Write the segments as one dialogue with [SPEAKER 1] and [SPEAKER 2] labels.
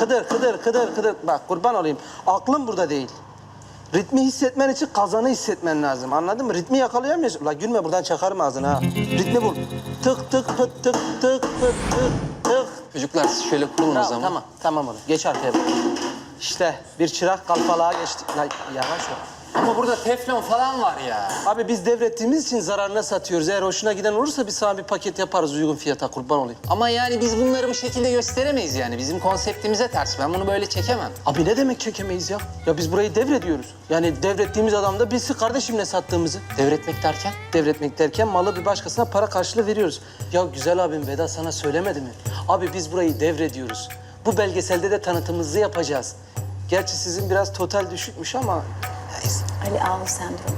[SPEAKER 1] Kıdır. Bak kurban olayım. Aklım burada değil. Ritmi hissetmen için kazanı hissetmen lazım. Anladın mı? Ritmi yakalayamıyorsun. La gülme buradan çakarım ağzını ha. Ritmi bul. Tık tık pıt tık tık pıt tık tık.
[SPEAKER 2] Çocuklar siz şöyle kurulun o zaman.
[SPEAKER 1] Tamam oğlum. Geç arkaya bak. İşte bir çırak kalfalığa geçtik. La yavaş ol.
[SPEAKER 2] Ama burada teflon falan var ya.
[SPEAKER 1] Abi biz devrettiğimiz için zararına satıyoruz. Eğer hoşuna giden olursa biz sana bir paket yaparız uygun fiyata kurban olayım.
[SPEAKER 2] Ama yani biz bunları bu şekilde gösteremeyiz yani. Bizim konseptimize ters. Ben bunu böyle çekemem.
[SPEAKER 1] Abi ne demek çekemeyiz ya? Ya biz burayı devrediyoruz. Yani devrettiğimiz adam da bilsin kardeşim ne sattığımızı.
[SPEAKER 2] Devretmek derken?
[SPEAKER 1] Devretmek derken malı bir başkasına para karşılığı veriyoruz. Ya güzel abim Vedat sana söylemedi mi? Abi biz burayı devrediyoruz. Bu belgeselde de tanıtımımızı yapacağız. Gerçi sizin biraz total düşükmüş ama neyse.
[SPEAKER 3] Ali Ağul sendromu.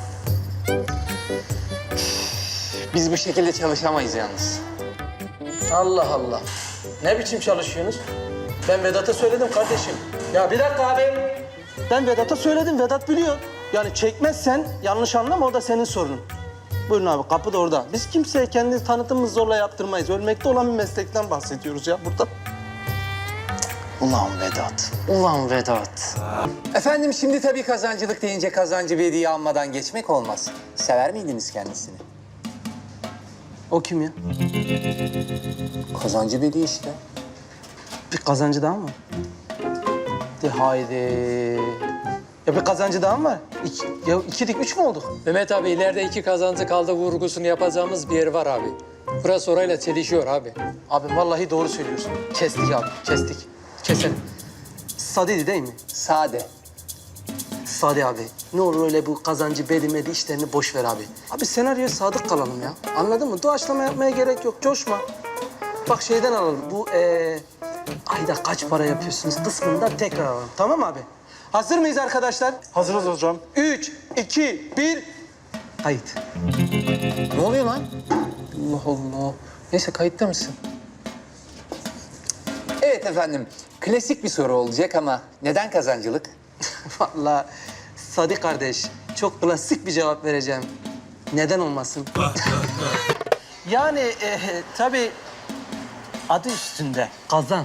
[SPEAKER 2] Biz bu şekilde çalışamayız yalnız.
[SPEAKER 1] Allah Allah. Ne biçim çalışıyorsunuz? Ben Vedat'a söyledim kardeşim. Ya bir dakika abi. Ben Vedat'a söyledim. Vedat biliyor. Yani çekmezsen yanlış anlama o da senin sorunun. Buyurun abi kapı da orada. Biz kimseye kendi tanıtımımızı zorla yaptırmayız. Ölmekte olan bir meslekten bahsediyoruz ya burada.
[SPEAKER 2] Ulan Vedat. Efendim şimdi tabii kazancılık deyince kazancı bir hediye almadan geçmek olmaz. Sever miydiniz kendisini?
[SPEAKER 1] O kim ya?
[SPEAKER 2] Kazancı Bedi işte.
[SPEAKER 1] Bir kazancı daha mı var? De haydi. Ya bir kazancı daha mı var? İkidik üç mü olduk?
[SPEAKER 4] Mehmet abi ileride iki kazancı kaldı vurgusunu yapacağımız bir yer var abi. Burası orayla çelişiyor abi.
[SPEAKER 1] Abi vallahi doğru söylüyorsun. Kestik abi, kestik. Keselim. Sadiydi değil mi?
[SPEAKER 2] Sade.
[SPEAKER 1] Sadi abi. Ne olur öyle bu kazancı bedimedi işlerini boş ver abi. Abi senaryoya sadık kalalım ya. Anladın mı? Doğaçlama yapmaya gerek yok. Coşma. Bak şeyden alalım. Bu ayda kaç para yapıyorsunuz kısmında tekrar alalım. Tamam abi? Hazır mıyız arkadaşlar?
[SPEAKER 5] Hazırız hocam.
[SPEAKER 1] 3, 2, 1. Kayıt.
[SPEAKER 2] Ne oluyor lan?
[SPEAKER 4] Allah Allah. Neyse kayıtta mısın?
[SPEAKER 2] Evet efendim. Klasik bir soru olacak ama neden kazancılık?
[SPEAKER 1] Vallahi Sadi kardeş çok klasik bir cevap vereceğim. Neden olmasın? Yani tabii adı üstünde kazan.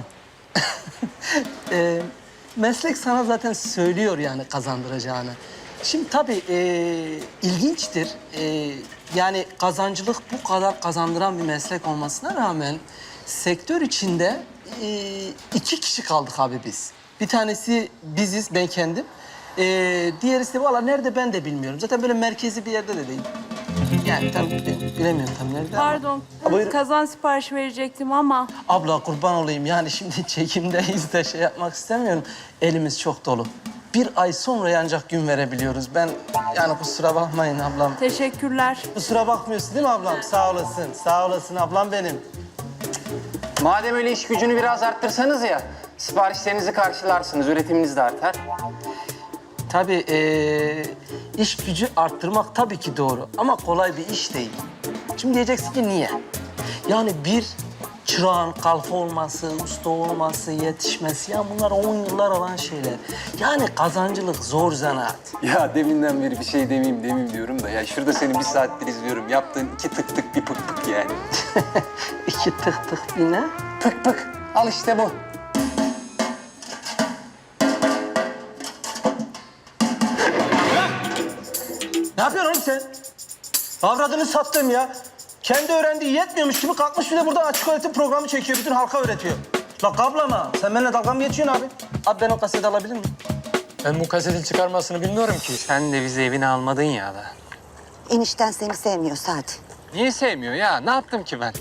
[SPEAKER 1] Meslek sana zaten söylüyor yani kazandıracağını. Şimdi tabii ilginçtir. Yani kazancılık bu kadar kazandıran bir meslek olmasına rağmen sektör içinde 2 kişi kaldık abi biz. Bir tanesi biziz, ben kendim. Diğerisi de valla nerede ben de bilmiyorum. Zaten böyle merkezi bir yerde de değil. Yani tam bilemiyorum tam nerede.
[SPEAKER 6] Pardon,
[SPEAKER 1] Buyurun.
[SPEAKER 6] kazan siparişi verecektim ama
[SPEAKER 1] Abla kurban olayım yani şimdi çekimdeyiz de şey yapmak istemiyorum. Elimiz çok dolu. 1 ay sonra ancak gün verebiliyoruz. Ben yani kusura bakmayın ablam.
[SPEAKER 6] teşekkürler.
[SPEAKER 1] Kusura bakmıyorsun değil mi ablam? Sağ olasın, sağ olasın ablam benim.
[SPEAKER 2] Madem öyle iş gücünü biraz arttırsanız ya, siparişlerinizi karşılarsınız, üretiminiz de artar.
[SPEAKER 1] Tabii iş gücü arttırmak tabii ki doğru ama kolay bir iş değil. Şimdi diyeceksin ki niye? Yani bir çırağın kalfa olması, usta olması, yetişmesi ya bunlar 10 yıllar alan şeyler. Yani kazancılık zor zanaat.
[SPEAKER 2] Ya deminden beri bir şey demeyeyim diyorum da ya şurada seni 1 saattir izliyorum. Yaptığın 2 tık tık bir pık pık yani.
[SPEAKER 1] 2 tık tık bir ne?
[SPEAKER 2] Pık pık. Al işte bu.
[SPEAKER 1] Ne yapıyorsun oğlum sen? Avradını sattım ya. Kendi öğrendiği yetmiyormuş gibi kalkmış bir de burada açık öğretim programı çekiyor. Bütün halka öğretiyor. La kablama. Sen benimle dalga mı geçiyorsun abi? Abi ben o kaseti alabilir miyim?
[SPEAKER 4] Ben bu kasetin çıkarmasını bilmiyorum ki.
[SPEAKER 2] Sen de bizi evine almadın ya da.
[SPEAKER 7] Enişten seni sevmiyor Sadi.
[SPEAKER 2] Niye sevmiyor ya? Ne yaptım ki ben?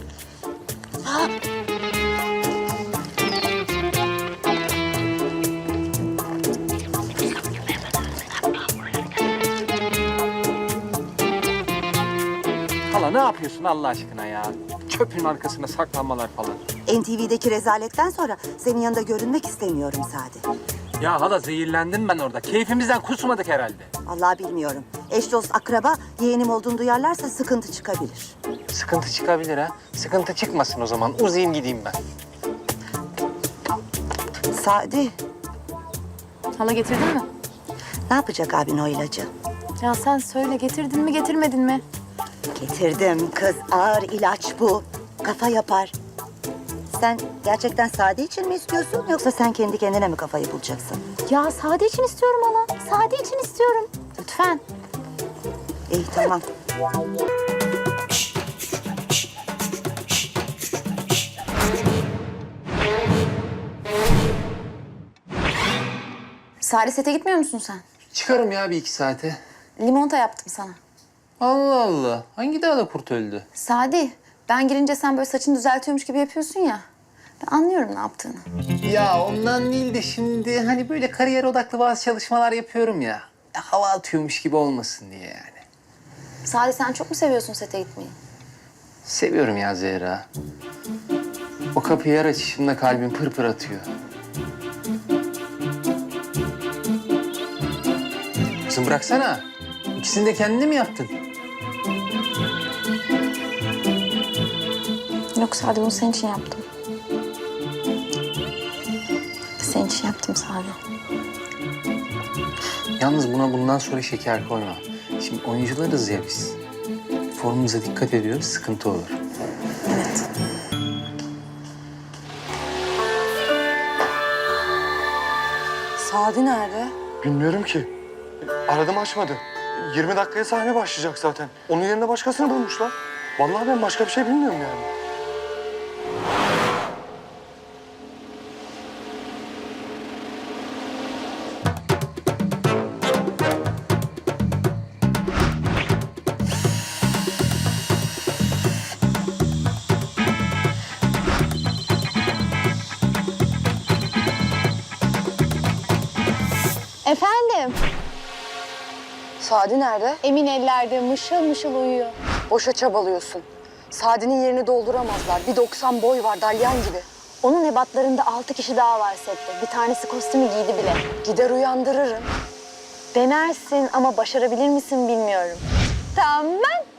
[SPEAKER 2] Hala ne yapıyorsun Allah aşkına ya? Çöpün arkasına saklanmalar falan.
[SPEAKER 7] NTV'deki rezaletten sonra senin yanında görünmek istemiyorum Sadi.
[SPEAKER 2] Ya hala zehirlendim ben orada. Keyfimizden kusmadık herhalde.
[SPEAKER 7] Vallahi bilmiyorum. Eş dost akraba yeğenim olduğunu duyarlarsa sıkıntı çıkabilir.
[SPEAKER 2] Sıkıntı çıkabilir ha. Sıkıntı çıkmasın o zaman. Uzayayım gideyim ben.
[SPEAKER 7] Sadi,
[SPEAKER 6] Hala getirdin mi?
[SPEAKER 7] ne yapacak abin o ilacı?
[SPEAKER 6] Ya sen söyle getirdin mi getirmedin mi?
[SPEAKER 7] Getirdim kız, ağır ilaç bu. Kafa yapar. Sen gerçekten Sade için mi istiyorsun yoksa sen kendi kendine mi kafayı bulacaksın?
[SPEAKER 6] Ya Sade için istiyorum hala. Sade için istiyorum. Lütfen.
[SPEAKER 7] İyi tamam.
[SPEAKER 6] Sade sete gitmiyor musun sen?
[SPEAKER 2] Çıkarım ya bir iki saate.
[SPEAKER 6] Limonata yaptım sana.
[SPEAKER 2] Allah Allah. Hangi dağda kurt öldü?
[SPEAKER 6] Sadi, ben girince sen böyle saçını düzeltiyormuş gibi yapıyorsun ya. Ben anlıyorum ne yaptığını.
[SPEAKER 2] Ya ondan değil de şimdi hani böyle kariyer odaklı bazı çalışmalar yapıyorum ya. Hava atıyormuş gibi olmasın diye yani.
[SPEAKER 6] Sadi sen çok mu seviyorsun sete gitmeyi?
[SPEAKER 2] Seviyorum ya Zehra. O kapıyı her açışımda kalbim pır pır atıyor. Kızım bıraksana. İkisini de kendin mi yaptın?
[SPEAKER 6] Yok Sadi bunu senin için yaptım. Senin için yaptım Sadi.
[SPEAKER 2] Yalnız buna bundan sonra şeker koyma. Şimdi oyuncularız ya biz. Formumuza dikkat ediyoruz, sıkıntı olur.
[SPEAKER 6] Evet.
[SPEAKER 7] Sade nerede?
[SPEAKER 3] Bilmiyorum ki. Aradım açmadı. 20 dakikaya sahne başlayacak zaten. Onun yerine başkasını bulmuşlar. Vallahi ben başka bir şey bilmiyorum yani.
[SPEAKER 6] Efendim?
[SPEAKER 5] Sadi nerede?
[SPEAKER 6] Emin ellerde mışıl mışıl uyuyor.
[SPEAKER 5] Boşa çabalıyorsun. Sadi'nin yerini dolduramazlar. 1.90 boy var, dalyan gibi.
[SPEAKER 6] Onun ebatlarında 6 kişi daha var sette. Bir tanesi kostümü giydi bile.
[SPEAKER 5] Gider uyandırırım.
[SPEAKER 6] Denersin ama başarabilir misin bilmiyorum. Tamam.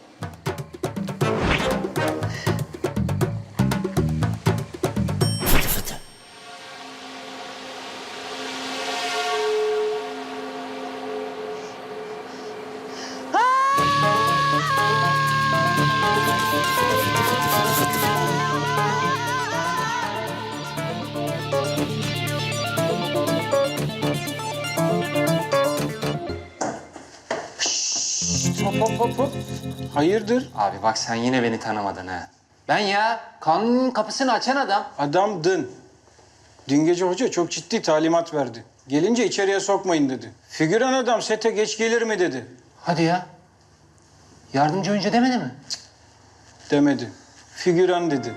[SPEAKER 2] Hop. Hayırdır? Abi bak sen yine beni tanımadın ha. Ben ya kanunun kapısını açan adam.
[SPEAKER 8] Adamdın. Dün gece hoca çok ciddi talimat verdi. Gelince içeriye sokmayın dedi. Figüran adam sete geç gelir mi dedi.
[SPEAKER 2] Hadi ya. Yardımcı oyuncu demedi mi?
[SPEAKER 8] Demedi. Figüran dedi.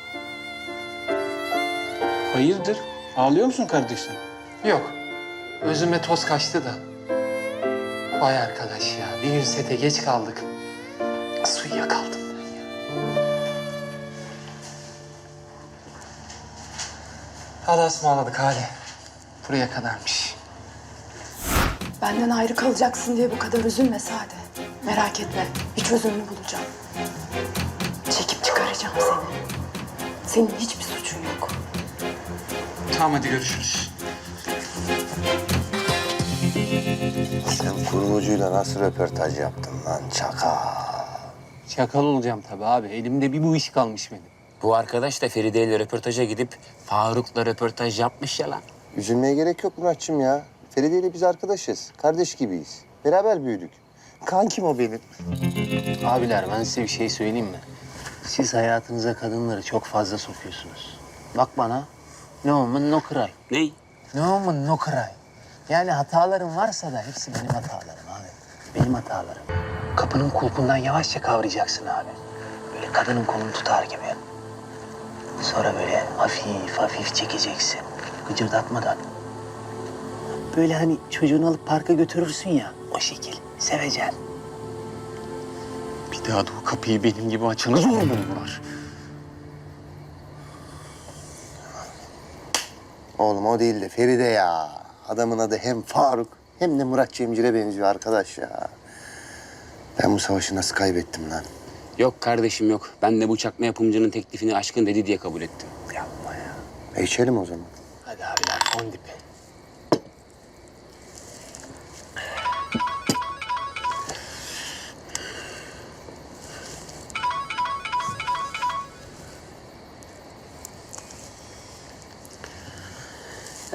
[SPEAKER 8] Hayırdır? Ağlıyor musun kardeşim?
[SPEAKER 2] Yok. Özüme toz kaçtı da. Vay arkadaş ya. Bir gün sete geç kaldık. Nasıl uyuyakaldım ben ya. Hadi ısmarladık hadi. Buraya kadarmış.
[SPEAKER 5] Benden ayrı kalacaksın diye bu kadar üzülme Sade. Merak etme, bir çözümünü bulacağım. Çekip çıkaracağım seni. Senin hiçbir suçun yok.
[SPEAKER 2] Tamam hadi görüşürüz.
[SPEAKER 9] Sen kurgucuyla nasıl röportaj yaptın lan çakal?
[SPEAKER 2] Çakal olacağım tabii abi. Elimde bir bu iş kalmış benim.
[SPEAKER 10] Bu arkadaş da Feride ile röportaja gidip Faruk'la röportaj yapmış ya lan.
[SPEAKER 9] Üzülmeye gerek yok Muratçım ya. Feride ile biz arkadaşız. Kardeş gibiyiz. Beraber büyüdük. Kankim o benim.
[SPEAKER 2] Abiler ben size bir şey söyleyeyim mi? Siz hayatınıza kadınları çok fazla sokuyorsunuz. Bak bana. No woman no cry.
[SPEAKER 10] Ney?
[SPEAKER 2] No woman no cry. Yani hatalarım varsa da hepsi benim hatalarım abi. Benim hatalarım. Kapının kulpundan yavaşça kavrayacaksın abi. Böyle kadının kolunu tutar gibi. Sonra böyle hafif hafif çekeceksin. Gıcırdatmadan. Böyle hani çocuğunu alıp parka götürürsün ya. O şekil. Seveceksin. Bir daha da o kapıyı benim gibi açanı zor bulurlar.
[SPEAKER 9] Oğlum o değil de Feride ya. Adamın adı hem Faruk hem de Murat Cemcir'e benziyor arkadaş ya. Ben bu savaşı nasıl kaybettim lan?
[SPEAKER 10] Yok kardeşim yok. Ben de bu çakma yapımcının teklifini aşkın dedi diye kabul ettim.
[SPEAKER 2] Yapma ya.
[SPEAKER 9] İçelim o zaman.
[SPEAKER 2] Hadi abiler fon dipi.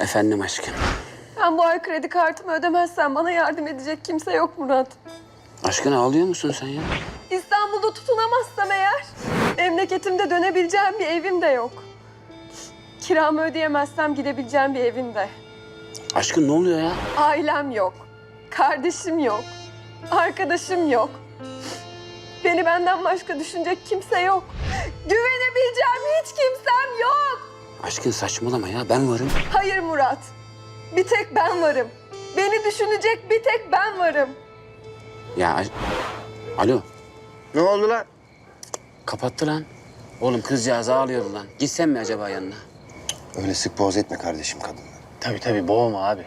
[SPEAKER 10] Efendim aşkım.
[SPEAKER 5] Ben bu ay kredi kartımı ödemezsem bana yardım edecek kimse yok Murat.
[SPEAKER 10] Aşkım ağlıyor musun sen ya?
[SPEAKER 5] İstanbul'da tutunamazsam eğer memleketimde dönebileceğim bir evim de yok. Kiramı ödeyemezsem gidebileceğim bir evim de.
[SPEAKER 10] Aşkım ne oluyor ya?
[SPEAKER 5] Ailem yok. Kardeşim yok. Arkadaşım yok. Beni benden başka düşünecek kimse yok. Güvenebileceğim hiç kimsem yok.
[SPEAKER 10] Aşkım saçmalama ya, ben varım.
[SPEAKER 5] Hayır Murat. Bir tek ben varım. Beni düşünecek bir tek ben varım.
[SPEAKER 10] Ya alo,
[SPEAKER 9] Ne oldu lan?
[SPEAKER 10] kapattı lan. Oğlum kızcağız ağlıyordu lan. Gitsen mi acaba yanına?
[SPEAKER 9] Öyle sık boğaz etme kardeşim kadını.
[SPEAKER 2] Tabii boğma abi.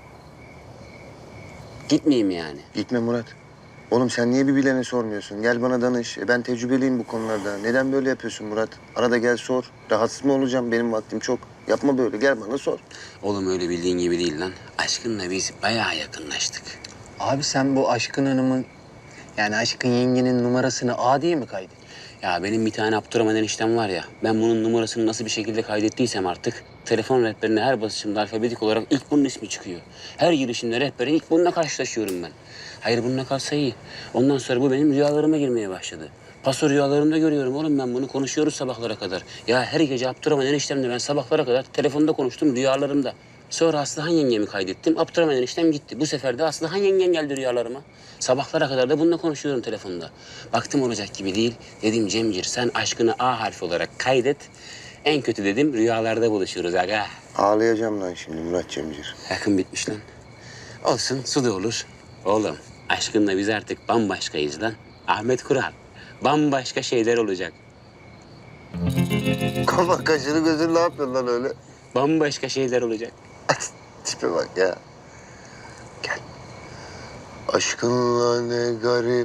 [SPEAKER 10] Gitmeyeyim yani.
[SPEAKER 9] Gitme Murat. Oğlum sen niye bir bilene sormuyorsun? Gel bana danış. Ben tecrübeliyim bu konularda. Neden böyle yapıyorsun Murat? Arada gel sor. Rahatsız mı olacağım? Benim vaktim çok. Yapma böyle. Gel bana sor.
[SPEAKER 10] Oğlum öyle bildiğin gibi değil lan. Aşkınla biz bayağı yakınlaştık.
[SPEAKER 2] Abi sen bu Aşkın Hanım'ın, yani Aşkın yengenin numarasını A diye mi kaydettin?
[SPEAKER 10] Ya benim bir tane Abdurrahman eniştem var ya. Ben bunun numarasını nasıl bir şekilde kaydettiysem artık... telefon rehberine her basışımda alfabetik olarak ilk bunun ismi çıkıyor. Her girişimde rehbere ilk bununla karşılaşıyorum ben. Hayır bununla kalsa iyi. Ondan sonra bu benim rüyalarıma girmeye başladı. Paso rüyalarımda görüyorum oğlum ben bunu. Konuşuyoruz sabahlara kadar. Ya her gece Abdurrahman eniştemle ben sabahlara kadar telefonda konuştum rüyalarımda. Sonra Aslıhan yengemi kaydettim. Abdurrahman eniştem gitti. Bu sefer de Aslıhan yengen geldi rüyalarıma. Sabahlara kadar da bununla konuşuyorum telefonda. Baktım olacak gibi değil. Dedim Cemcir sen aşkını A harfi olarak kaydet. En kötü dedim rüyalarda buluşuruz aga.
[SPEAKER 9] Ağlayacağım lan şimdi Murat Cemcir.
[SPEAKER 10] Yakın bitmiş lan. Olsun su da olur. Oğlum aşkınla biz artık bambaşkayız lan. Ahmet Kural. Bambaşka şeyler olacak.
[SPEAKER 9] Kafa kaşını gözünü ne yapıyorsun lan öyle?
[SPEAKER 10] Bambaşka şeyler olacak.
[SPEAKER 9] Tipe bak ya. Gel. Aşkınla ne garip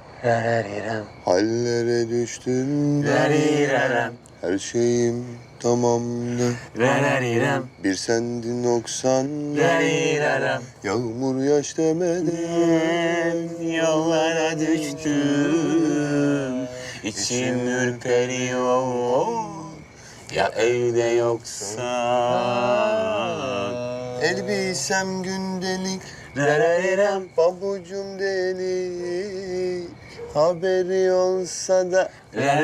[SPEAKER 9] hallere düştüm. Her şeyim tamamdı. Bir sendin noksan. Yağmur yaş demeden yollara düştüm. İçim ürperiyor. Ya evde yoksan. Elbisem gündelik. Pabucum delik. Haberi olsa da.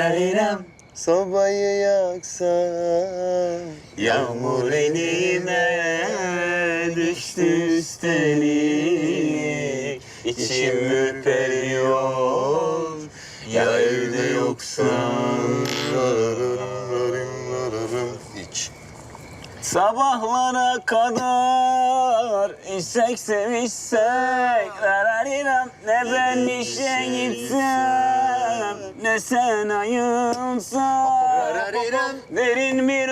[SPEAKER 9] Sobayı yaksam. Yağmur elime düştü üstelik. İçim ürperiyor. Ya evde yoksan. İç.
[SPEAKER 10] Sabahlara kadar içsek sevişsek ne ben işe gitsem ne sen ayılsan derin bir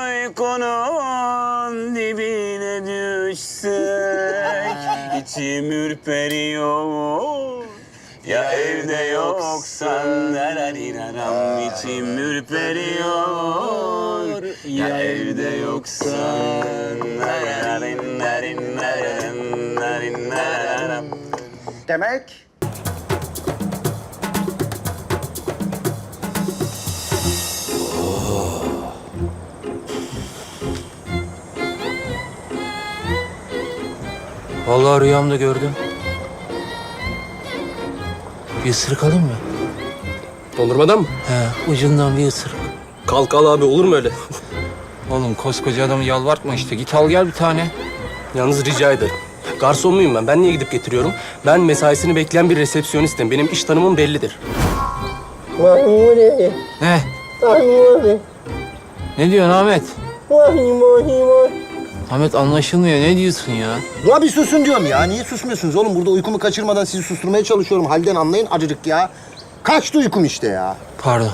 [SPEAKER 10] uykunun dibine düşsek içim ürperiyor. Ya evde yoksan içim ürperiyor. Ya evde yoksan
[SPEAKER 9] Demek
[SPEAKER 2] Vallahi rüyamda gördüm. Bir ısırık alayım mı?
[SPEAKER 11] Dondurmadan mı?
[SPEAKER 2] He, ucundan bir ısırık.
[SPEAKER 11] Kalk al abi, olur mu öyle?
[SPEAKER 8] Oğlum koskoca adamı yalvartma işte. Git al gel bir tane.
[SPEAKER 11] Yalnız rica ederim. Garson muyum ben? Ben niye gidip getiriyorum? Ben mesaisini bekleyen bir resepsiyonistim. Benim iş tanımım bellidir.
[SPEAKER 8] Ne? Ne diyorsun Ahmet? Ahmet anlaşılmıyor. Ne diyorsun ya?
[SPEAKER 9] ya bir susun diyorum ya. Niye susmuyorsunuz oğlum? Burada uykumu kaçırmadan sizi susturmaya çalışıyorum. Halden anlayın acıcık ya. Kaçtı uykum işte ya.
[SPEAKER 8] Pardon.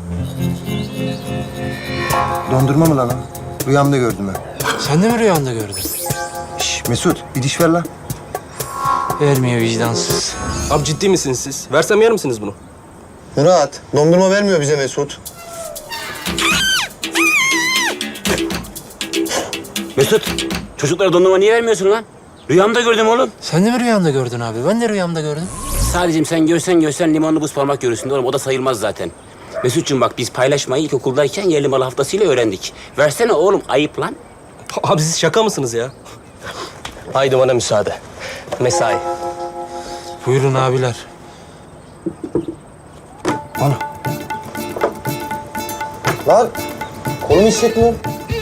[SPEAKER 9] Dondurma mı lan o? Rüyamda gördüm ben.
[SPEAKER 8] Sen de mi rüyanda gördün?
[SPEAKER 9] Şş, Mesut bir diş ver lan.
[SPEAKER 8] Vermiyor vicdansız.
[SPEAKER 11] Abi ciddi misiniz siz? Versem yer misiniz bunu?
[SPEAKER 9] Murat dondurma vermiyor bize Mesut.
[SPEAKER 10] Mesut çocuklara dondurma niye vermiyorsun lan? Rüyamda gördüm oğlum.
[SPEAKER 8] Sen de mi rüyanda gördün abi? Ben de rüyamda gördüm.
[SPEAKER 10] Sadece sen görsen limonlu buz parmak görürsün oğlum. O da sayılmaz zaten. Mesut'cum bak biz paylaşmayı ilkokuldayken yerli malı haftasıyla öğrendik. Versene oğlum ayıp lan.
[SPEAKER 11] Abi siz şaka mısınız ya? Haydi bana müsaade. Mesai.
[SPEAKER 8] Buyurun abiler.
[SPEAKER 9] Lan kolumu hissetmiyorum.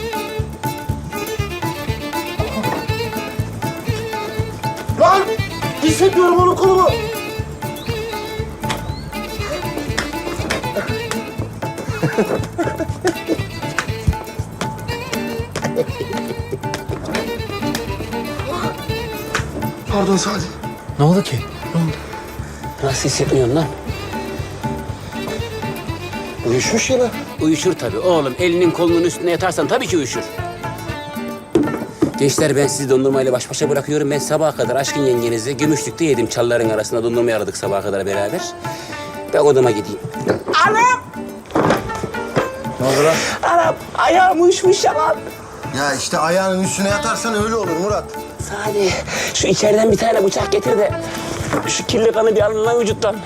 [SPEAKER 9] Lan hissetmiyorum onun kolumu. Pardon Sadi.
[SPEAKER 8] Ne oldu ki?
[SPEAKER 10] Nasıl hissetmiyorsun lan?
[SPEAKER 9] Uyuşmuş yine.
[SPEAKER 10] Uyuşur tabii oğlum. Elinin kolunun üstüne yatarsan tabii ki uyuşur. Gençler ben sizi dondurmayla baş başa bırakıyorum. Ben sabaha kadar aşkın yengenizle Gümüşlük'te yedim. Çalların arasında dondurma aradık sabaha kadar beraber. Ben odama gideyim.
[SPEAKER 9] Ne oldu lan?
[SPEAKER 10] Anam ayağım uyuşmuş ya lan.
[SPEAKER 9] Ya işte ayağının üstüne yatarsan öyle olur Murat.
[SPEAKER 10] Sadi şu içeriden bir tane bıçak getir de şu kirli kanı bir alın lan vücuttan.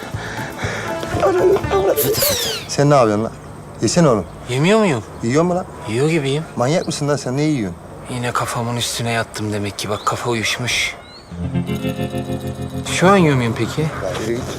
[SPEAKER 9] Sen ne yapıyorsun lan? Yesene oğlum.
[SPEAKER 8] Yemiyor muyum?
[SPEAKER 9] Yiyor mu lan?
[SPEAKER 8] Yiyor gibiyim.
[SPEAKER 9] Manyak mısın lan sen? Ne yiyorsun?
[SPEAKER 8] Yine kafamın üstüne yattım demek ki. Bak kafa uyuşmuş. Şu an yiyor muyum peki?
[SPEAKER 9] Ya yürü git.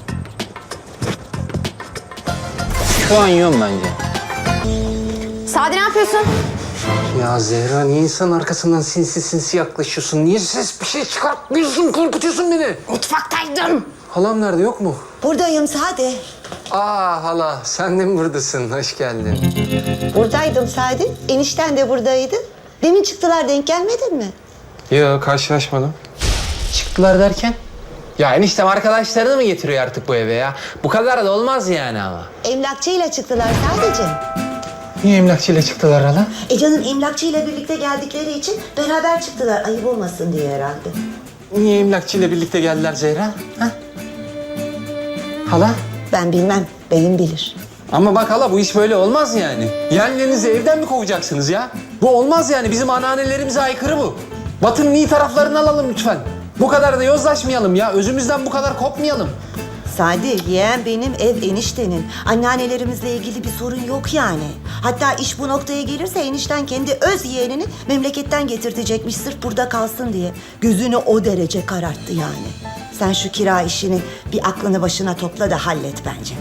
[SPEAKER 8] Şu an yiyorum bence.
[SPEAKER 6] Sadi ne yapıyorsun?
[SPEAKER 8] Ya Zehra niye insanın arkasından sinsi sinsi yaklaşıyorsun? Niye ses bir şey çıkartmıyorsun? Korkutuyorsun beni.
[SPEAKER 6] Mutfaktaydım.
[SPEAKER 8] Halam nerede yok mu?
[SPEAKER 7] Buradayım Sadi.
[SPEAKER 8] Aa hala sen de mi buradasın? Hoş geldin.
[SPEAKER 7] Buradaydım Sadi. Enişten de buradaydı. Demin çıktılar, denk gelmedin mi?
[SPEAKER 8] Yok karşılaşmadım. Çıktılar derken? Ya eniştem arkadaşlarını mı getiriyor artık bu eve ya? Bu kadar da olmaz yani ama.
[SPEAKER 7] Emlakçıyla çıktılar sadece.
[SPEAKER 8] Niye emlakçıyla çıktılar hala?
[SPEAKER 7] Canım emlakçıyla birlikte geldikleri için beraber çıktılar. Ayıp olmasın diye herhalde.
[SPEAKER 8] Niye emlakçıyla birlikte geldiler Zehra? Ha? Hala?
[SPEAKER 7] Ben bilmem, beyim bilir.
[SPEAKER 8] Ama bak hala bu iş böyle olmaz yani. Yeğenlerinizi evden mi kovacaksınız ya? Bu olmaz yani. Bizim ananelerimize aykırı bu. Batı'nın iyi taraflarını alalım lütfen. Bu kadar da yozlaşmayalım ya. Özümüzden bu kadar kopmayalım.
[SPEAKER 7] Sadi, yeğen benim, ev eniştenin. Anneannelerimizle ilgili bir sorun yok yani. Hatta iş bu noktaya gelirse enişten kendi öz yeğenini memleketten getirtecekmiş sırf burada kalsın diye. Gözünü o derece kararttı yani. Sen şu kira işini bir aklını başına topla da hallet bence.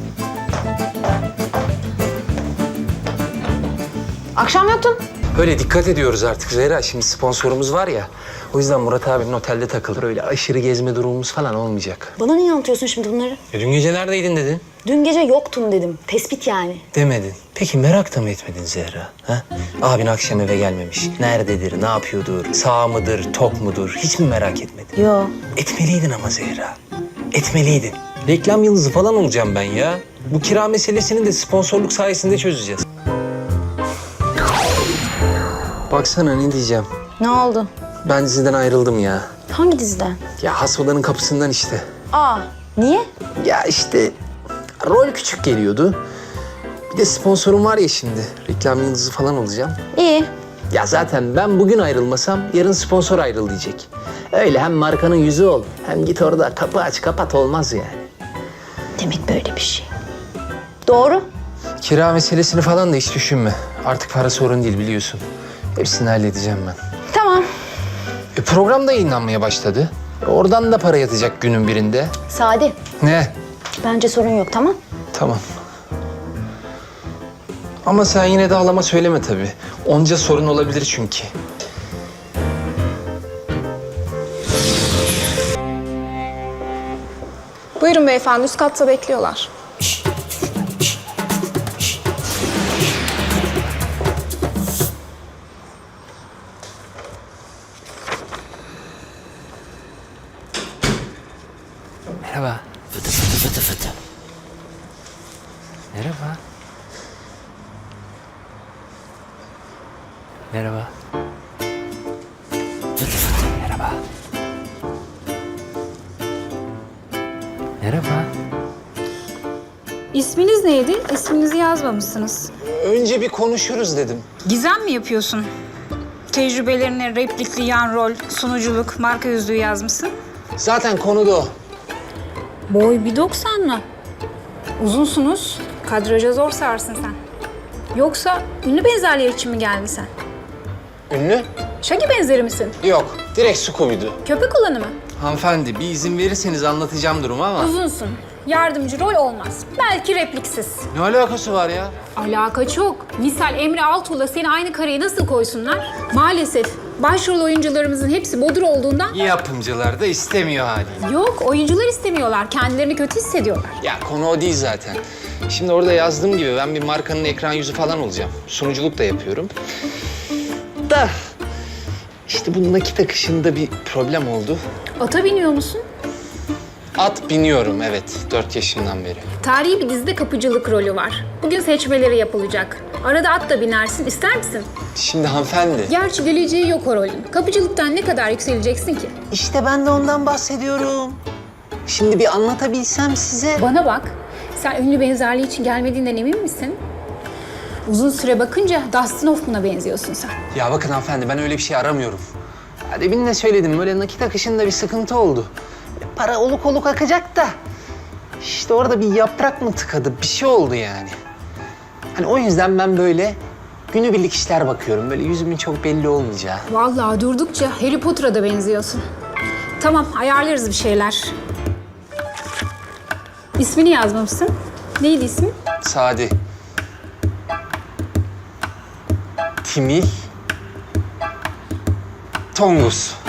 [SPEAKER 6] Akşam yoktun.
[SPEAKER 8] Öyle dikkat ediyoruz artık Zehra. Şimdi sponsorumuz var ya. O yüzden Murat abinin otelde takılır. Öyle aşırı gezme durumumuz falan olmayacak.
[SPEAKER 6] Bana niye anlatıyorsun şimdi bunları?
[SPEAKER 8] Dün gece neredeydin dedin?
[SPEAKER 6] Dün gece yoktum dedim. Tespit yani.
[SPEAKER 8] Demedin. Peki merak da mı etmedin Zehra? Ha? Abin akşam eve gelmemiş. Nerededir, ne yapıyordur, sağ mıdır, tok mudur? Hiç mi merak etmedin?
[SPEAKER 6] Yo.
[SPEAKER 8] Etmeliydin ama Zehra. Etmeliydin. Reklam yıldızı falan olacağım ben ya. Bu kira meselesini de sponsorluk sayesinde çözeceğiz. Baksana ne diyeceğim.
[SPEAKER 6] Ne oldu?
[SPEAKER 8] Ben diziden ayrıldım ya.
[SPEAKER 6] Hangi diziden?
[SPEAKER 8] Ya has odanın kapısından işte.
[SPEAKER 6] Aa, niye?
[SPEAKER 8] Ya işte rol küçük geliyordu. Bir de sponsorum var ya şimdi. Reklam yıldızı falan olacağım.
[SPEAKER 6] İyi.
[SPEAKER 8] Ya zaten ben bugün ayrılmasam yarın sponsor ayrıl diyecek. Öyle hem markanın yüzü ol hem git orada kapı aç kapat olmaz yani.
[SPEAKER 6] Demek böyle bir şey. Doğru.
[SPEAKER 8] Kira meselesini falan da hiç düşünme. Artık para sorun değil biliyorsun. Hepsini halledeceğim ben.
[SPEAKER 6] Tamam.
[SPEAKER 8] Program da yayınlanmaya başladı. Oradan da para yatacak günün birinde.
[SPEAKER 6] Sadi,
[SPEAKER 8] Ne?
[SPEAKER 6] bence sorun yok, tamam?
[SPEAKER 8] Tamam. Ama sen yine de halama söyleme tabii. Onca sorun olabilir çünkü.
[SPEAKER 5] Buyurun beyefendi, üst katta bekliyorlar.
[SPEAKER 8] Merhaba.
[SPEAKER 10] Fıtı fıtı fıtı fıtı.
[SPEAKER 8] Merhaba. Merhaba.
[SPEAKER 10] Fıtı fıtı.
[SPEAKER 8] Merhaba. Merhaba.
[SPEAKER 5] İsminiz neydi? İsminizi yazmamışsınız.
[SPEAKER 8] Önce bir konuşuruz dedim.
[SPEAKER 5] Gizem mi yapıyorsun? Tecrübelerini replikli yan rol, sunuculuk, marka yüzlüğü yazmışsın.
[SPEAKER 8] Zaten konu da o.
[SPEAKER 5] Boy 1.90 mı? Uzunsunuz. Kadraja zor sarsın sen. Yoksa ünlü benzerliği için mi geldin sen?
[SPEAKER 8] Ünlü?
[SPEAKER 12] Shaggy benzeri misin?
[SPEAKER 8] Yok, direkt Scooby'du.
[SPEAKER 12] Köpek olanı mı?
[SPEAKER 8] Hanımefendi, bir izin verirseniz anlatacağım durumu ama...
[SPEAKER 12] Uzunsun. Yardımcı rol olmaz. Belki repliksiz.
[SPEAKER 8] Ne alakası var ya?
[SPEAKER 12] Alaka çok. Misal Emre Altuğ'la seni aynı kareye nasıl koysunlar? Maalesef başrol oyuncularımızın hepsi bodur olduğundan...
[SPEAKER 8] Yapımcılar da istemiyor haliyle.
[SPEAKER 12] Yok, oyuncular istemiyorlar. Kendilerini kötü hissediyorlar.
[SPEAKER 8] Ya konu o değil zaten. Şimdi orada yazdığım gibi ben bir markanın ekran yüzü falan olacağım. Sunuculuk da yapıyorum. Da işte bu nakit akışında bir problem oldu.
[SPEAKER 12] Ata biniyor musun?
[SPEAKER 8] At biniyorum evet 4 yaşımdan beri.
[SPEAKER 12] Tarihi bir dizide kapıcılık rolü var. Bugün seçmeleri yapılacak. Arada at da binersin. İster misin?
[SPEAKER 8] Şimdi hanımefendi.
[SPEAKER 12] Gerçi geleceği yok o rolün. Kapıcılıktan ne kadar yükseleceksin ki?
[SPEAKER 8] İşte ben de ondan bahsediyorum. Şimdi bir anlatabilsem size.
[SPEAKER 12] Bana bak. Sen ünlü benzerliği için gelmediğinden emin misin? Uzun süre bakınca Dustin Hoffman'a benziyorsun sen.
[SPEAKER 8] Ya bakın hanımefendi ben öyle bir şey aramıyorum. Ya demin de söyledim böyle nakit akışında bir sıkıntı oldu. Para oluk oluk akacak da. İşte orada bir yaprak mı tıkadı bir şey oldu yani. Hani o yüzden ben böyle günübirlik işler bakıyorum. Böyle yüzümün çok belli olmayacağı.
[SPEAKER 12] Vallahi durdukça Harry Potter'a da benziyorsun. Tamam, ayarlarız bir şeyler. İsmini yazmamışsın. Neydi ismi?
[SPEAKER 8] Sadi. Timil. Tongus.